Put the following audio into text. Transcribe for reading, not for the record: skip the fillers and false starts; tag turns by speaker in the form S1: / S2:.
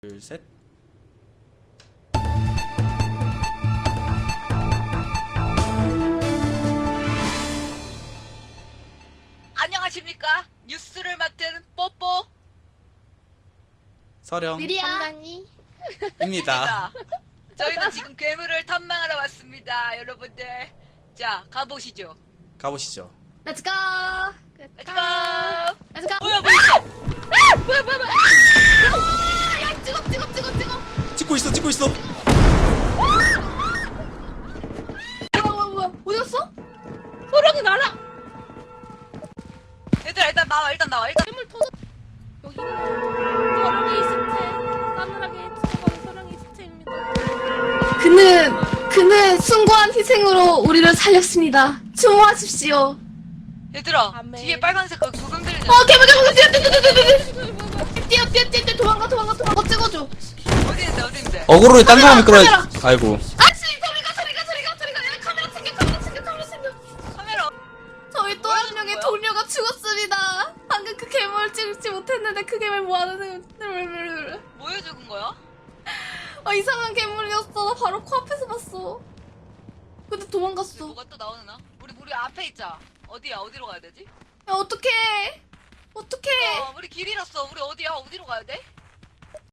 S1: 둘, 셋.
S2: 안녕하십니까? 뉴스를 맡은 뽀뽀
S1: 서령입니다.
S2: 입니다. 저희는 지금 괴물을 탐방하러 왔습니다, 여러분들. 자, 가보시죠.
S1: 가보시죠.
S3: Let's go.
S2: Let's go.
S3: Let's go.
S2: 뭐야?
S3: 뭐야. 야, 찍어.
S1: 찍고 있어.
S3: 뭐야. 어디 갔어?
S2: 호랑이 날아. 얘들아, 일단 나와.
S4: 괴물 터져. 여기는 서령이 시체, 싸늘하게 죽어가는 서령이 시체입니다.
S3: 그는 숭고한 희생으로 우리를 살렸습니다. 추모하십시오.
S2: 얘들아,
S4: 아멘.
S2: 뒤에 빨간색 그 구름 들리는.
S3: 괴물 뛰어. 도망가. 찍어줘.
S2: 어디 있는데?
S1: 어그로에 딴 사람이 끌어야.
S3: 카메라.
S1: 아이고.
S3: 아씨, 소리가. 야, 카메라 챙겨.
S2: 카메라.
S3: 저희 또 한 명의 동료가 죽었습니다. 방금 그 괴물 찍지 못했는데 그 괴물 뭐하는
S2: 뭐에 죽은 거야?
S3: 이상한 괴물이었어. 나 바로 코앞에서 봤어. 근데 도망갔어.
S2: 뭐가 또 나오나? 우리 앞에 있자. 어디야? 어디로 가야 되지?
S3: 야, 어떡해.
S2: 우리 길 잃었어. 우리 어디야? 어디로 가야 돼?